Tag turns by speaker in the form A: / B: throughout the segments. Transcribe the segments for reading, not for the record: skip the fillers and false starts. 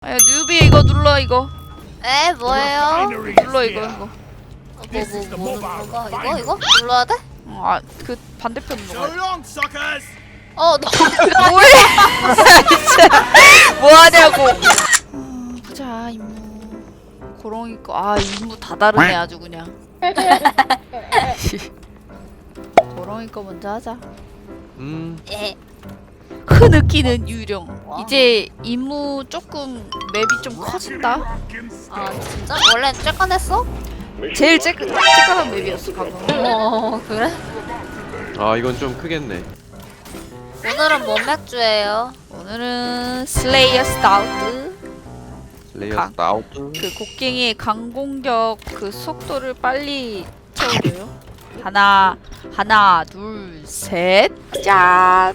A: 야 뉴비 이거 눌러 이거.
B: 에 뭐예요?
A: 눌러 이거.
B: 이거 눌러야 돼?
A: 아 그 반대편 눌러.
B: 너
A: 뭐해? 진짜 뭐하냐고. 보자 임무. 고롱이 거. 아 임무 다 다르네 아주 그냥. 고롱이 거 먼저 하자.
B: 에.
A: 흐느끼는 유령.
B: 와.
A: 이제 임무 조금 맵이 좀 커진다.
B: 아 진짜? 원래 쬐깐했어?
A: 제일 쬐깐한 맵이었어 방금.
B: 그래?
C: 아 이건 좀 크겠네.
B: 오늘은 뭔 맥주예요?
A: 오늘은 슬레이어 스타우트.
C: 레이어 아웃.
A: 그 곡괭이의 강공격 그 속도를 빨리 채워줘요. 하나 둘 셋 짠.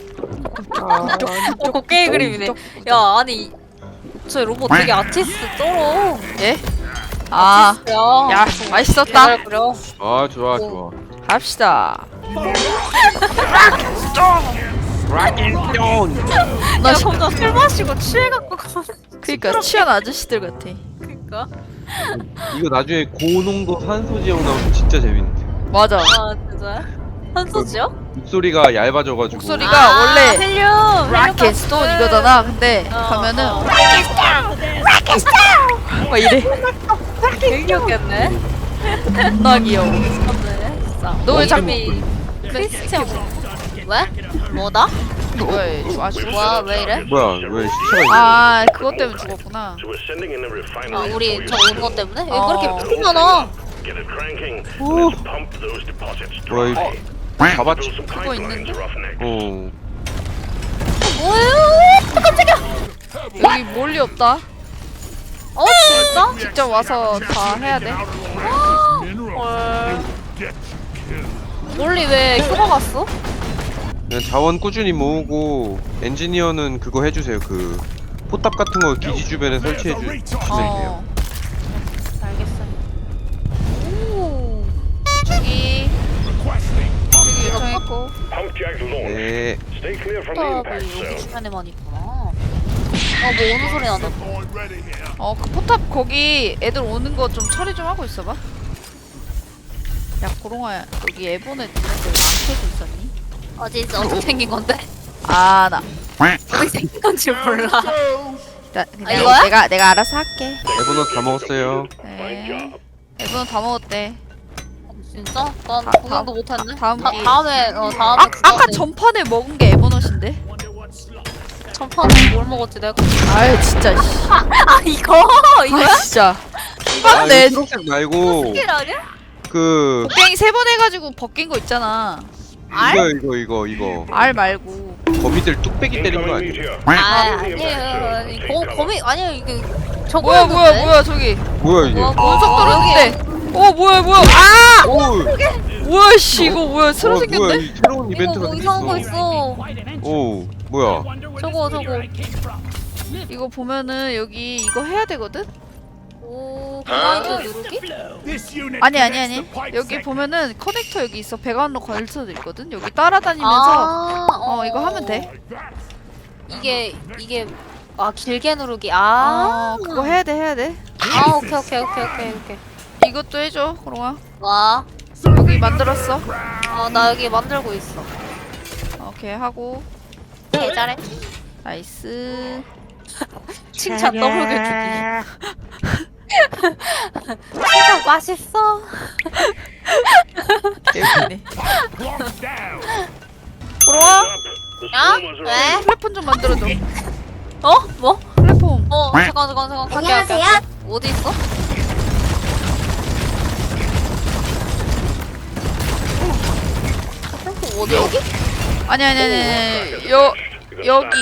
B: 곡괭이 그림이네. 야 아니 저 로봇 되게 아티스트 쩔어.
A: 예? 아, 야 맛있었다.
B: 잘 그려.
C: 아 좋아 좋아.
A: 갑시다.
B: 나 혼자 술 마시고 취해갖고
A: 그니까 취한 아저씨들 같아.
B: 그니까.
C: 이거 나중에 고농도 산소 지역 나오면 진짜 재밌는데.
A: 맞아.
B: 아 진짜? 한소지요?
C: 목소리가 얇아져가지고.
A: 목소리가 원래
B: 헬륨
A: 락앤스톤 이거잖아. 근데 가면은 막 이래.
B: 되게 귀엽겠네.
A: 존나 귀여워.
B: 맞네 진짜.
A: 너 왜 자꾸
B: 크리스티안 왜? 뭐다?
A: 왜 아주
B: 뭐야 왜 이래?
C: 뭐야 왜 시체가 있냐?
A: 아 그것 때문에 죽었구나.
B: 아 우리 저 온 거 때문에? 왜
A: 어.
B: 그렇게 피 많아?
C: 뭐야 이거 잡았지?
A: 그거 있는데?
C: 어.
B: 뭐예요? 깜짝이야.
A: 여기 몰리 없다.
B: 진짜?
A: 직접 와서 다 해야 돼.
B: 헐. 몰리 왜 휴가 갔어?
C: 그냥 자원 꾸준히 모으고 엔지니어는 그거 해주세요. 그 포탑 같은 거 기지 주변에 설치해 주시면 돼요.
B: 알겠어요. 오.
A: 저기 요청했고.
C: 네.
B: 포탑이 여기 주변에만 있구나. 뭐 오는 소리 나다.
A: 그 포탑 거기 애들 오는 거 좀 처리 좀 하고 있어봐. 야 고롱아 여기 에보네 있는데 왜 안 켜져 있었니?
B: 어떻게 생긴 건데?
A: 아 나.
B: 어떻게 생긴 건지 몰라.
A: 그냥
B: 이거야?
A: 내가 알아서 할게.
C: 에버넛 다 먹었어요.
A: 네. 에보는 다 먹었대.
B: 진짜? 난
A: 다-
B: 구경도 못했네.
A: 다음 기-
B: 다음에 다음에
A: 아까 전판에 먹은 게 에보넛인데?
B: 전판에 뭘 먹었지 내가?
A: 아유 진짜 씨.
B: 이거
A: 아 진짜.
C: 아,
A: 맞네.
C: 이거 초록색 말고
B: 스킬 아니야?
C: 그
A: 곡괭이 3번 해가지고 벗긴 거 있잖아.
C: 이거
A: 알 말고.
C: 거미들 뚝배기 때리는 거 아니에요?
B: 아니에요. 거미 아니에요 이게 저거.
A: 뭐야 저기.
C: 뭐야 이게?
A: 운석 떨어졌는데. 뭐야. 아!
C: 오,
A: 뭐야 씨 이거 뭐야 새로
C: 뭐야
A: 생겼네?
C: 이 새로운
B: 이거
C: 이벤트가
B: 뭐 이상한 거
C: 생겼어.
B: 있어.
C: 오, 뭐야?
B: 저거.
A: 이거 보면은 여기 이거 해야 되거든?
B: 오 그라인드 누르기?
A: 아니 여기 보면은 커넥터 여기 있어. 배관으로 걸 수도 있거든? 여기 따라다니면서 이거 하면 돼.
B: 이게 길게 누르기.
A: 그거 해야 돼.
B: 오케이.
A: 이것도 해줘 고롱아.
B: 와.
A: 여기 만들었어.
B: 나 여기 만들고 있어.
A: 오케이 하고.
B: 개 잘해.
A: 나이스.
B: 칭찬 더블게 주기. 진짜 맛있어.
A: 개웃기네. 고롱아
B: 야? 왜?
A: 플랫폼 좀 만들어줘.
B: 뭐?
A: 플랫폼.
B: 잠깐. 갈게. 어디 있어? 어디 여기?
A: 아니 여기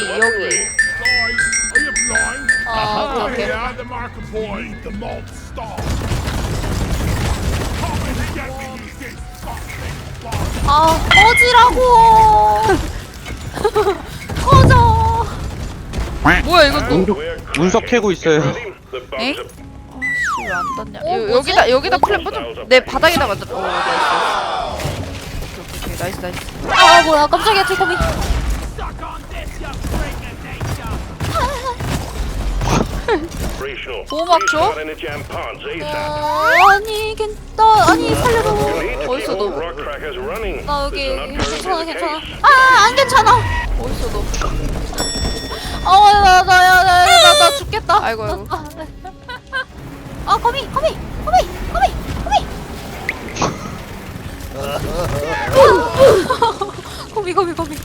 B: 오케이. 꺼지라고. 꺼져.
A: 뭐야 이것도.
C: 운석 캐고 있어요.
A: 엥? 아씨 왜 안 떴냐? 여기다 플랫폼 좀 내 바닥에다 만들어. 나이스. 오케이, 나이스.
B: 뭐야 깜짝이야 지금이.
A: 보호막 줘?
B: 아니 아니 살려줘.
A: 어딨어 너?
B: 나 여기 괜찮아 괜찮아. 안 괜찮아.
A: 어딨어 너?
B: 나 죽겠다.
A: 아이고 아이고.
B: 거미. 거미.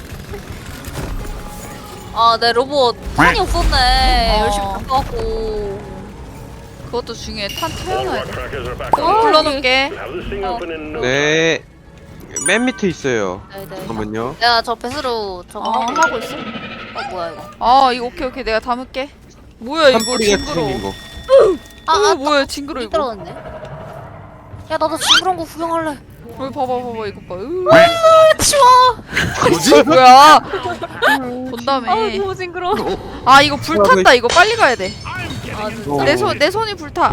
B: 내 로봇 탄이 없었네. 열심히 바꿔갖고.
A: 그것도 중요해. 탄 태워놔야 돼.
B: 어,
A: 불러놓을게.
C: 네. 맨 밑에 있어요.
B: 네네.
C: 잠깐만요.
B: 내가 저 배수로 저거
A: 하고 있어.
B: 뭐야 이거?
A: 이거 오케이 내가 담을게. 뭐야 이거
C: 산뿌리가
A: 징그러.
C: 생긴 거.
A: 뭐야 징그러 이거.
B: 떨어졌네. 야 나도 징그러운 거 구경할래.
A: 봐봐 이거 봐.
B: 치워.
C: 뭐지?
A: 뭐야? 본다며.
B: 너무 징그러워.
A: 이거 불 탔다. 이거 빨리 가야 돼.
C: 어.
A: 내 손이 불타.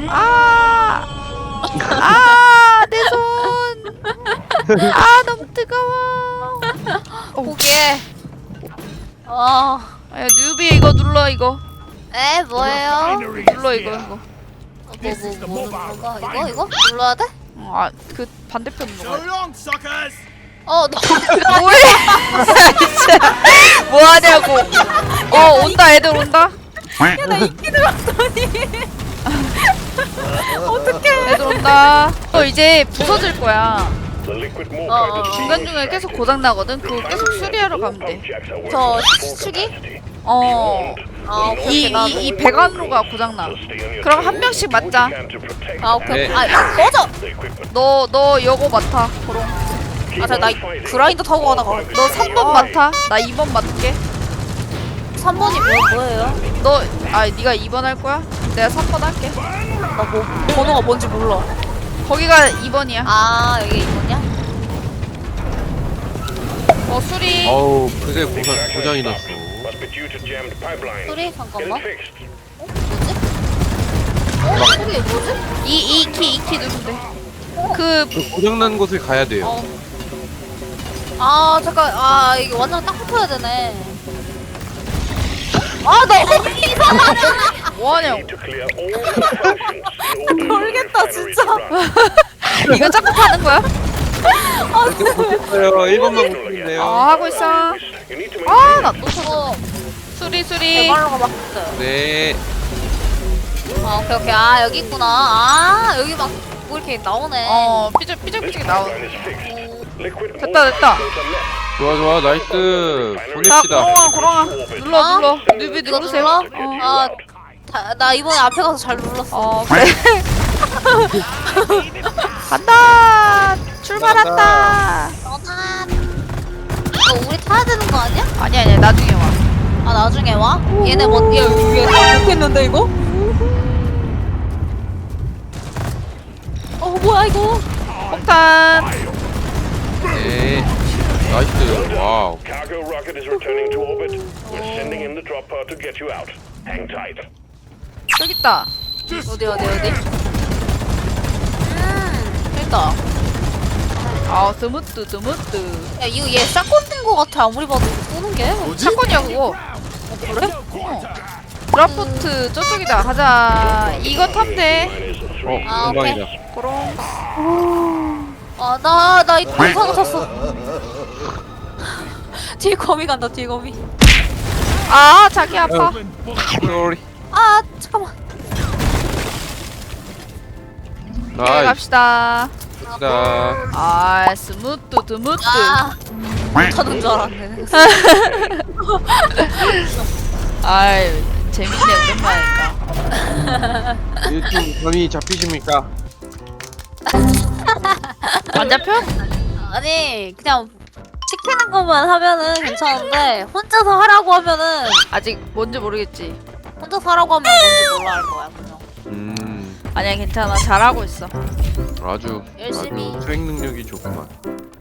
A: 내 손. 너무 뜨거워.
B: 포기해.
A: 야 뉴비 이거 눌러 이거.
B: 뭐예요?
A: 눌러 이거.
B: 뭐 누르가? 이거 눌러야 돼?
A: 그 반대편 눌러.
B: 너
A: 뭐해? 진짜 뭐하냐고. 온다 애들 온다.
B: 나 이끼 들었더니. 어떡해.
A: 애들 온다. 이제 부서질 거야. 중간중간에 계속 고장 나거든. 그거 계속 수리하러 가면 돼.
B: 저 수축이? 오케이.
A: 이 배관로가 고장 나. 그럼 한 명씩 맞자.
B: 오케이.
C: 네.
B: 꺼져.
A: 너 요거 맡아. 고롱.
B: 나 그라인더 타고 가다가.
A: 너 3번 맡아. 나 2번 맡을게.
B: 3번이 뭐예요?
A: 네가 2번 할 거야? 내가 3번 할게.
B: 나 번호가 뭔지 몰라.
A: 거기가 2번이야.
B: 여기 이거냐?
A: 수리.
C: 어우, 그게 고장이 났어.
B: 소리 잠깐만. 소리 뭐지?
A: 이 키 누르면 돼.
C: 그 고장난 곳을 가야 돼요.
B: 잠깐. 이게 완전 딱 붙어야 되네. 나 이상하냐?
A: 뭐하냐고.
B: 모르겠다 진짜.
A: 이거 자꾸 타는 거야?
C: 못했어요. 1번만 못했네요.
A: 하고 있어. 나 또 탔어. 수리.
B: 대발로가 막혔어요.
C: 네.
B: 오케이. 여기 있구나. 여기 막 뭐 이렇게 나오네.
A: 삐죽삐죽 나오. 됐다.
C: 좋아, 나이스.
A: 자,
C: 보냅시다.
A: 고롱아. 눌러. 뉴비
B: 이거
A: 누르세요.
B: 눌러? 나 이번에 앞에 가서 잘 눌렀어.
A: 그래. 간다. 출발한다.
B: 이거 우리 타야 되는 거 아니야?
A: 아니야. 나중에 와.
B: 나중에 와? 얘네 뭔? 얘 못했는데 이거? 뭐야 이거?
A: 폭탄.
C: 네. 나이스. 와우.
D: Cargo rocket is returning to orbit. We're sending in the drop pod to get you out. Hang tight.
A: 여기 있다.
B: 어디? 됐다.
A: 스무트.
B: 야 이거 얘 샷건 뜬거 같아. 아무리 봐도 쏘는 게.
A: 사건이야 그거.
B: 그래?
A: 드라프트 저쪽이다. 가자. 이거 타면 돼.
C: 금방이다.
A: 고롱.
B: 나 이 동상 탔어. 뒤에 거미 간다. 뒤에 거미.
A: 자기 아파.
C: 쏘리.
B: 잠깐만.
A: 네,
C: 나이스.
A: 갑시다. 스무트.
B: 못하는 줄 알았네.
A: 재밌네 오랜만이니까.
C: 요즘 감이 잡히십니까?
A: 안 잡혀?
B: 아니 그냥 시키는 것만 하면은 괜찮은데 혼자서 하라고 하면은
A: 아직 뭔지 모르겠지.
B: 혼자서 하라고 하면 뭔지 몰라 할 거야 그냥.
A: 아니야 괜찮아. 잘하고 있어.
C: 아주
B: 열심히.
C: 수행 능력이 좋구만.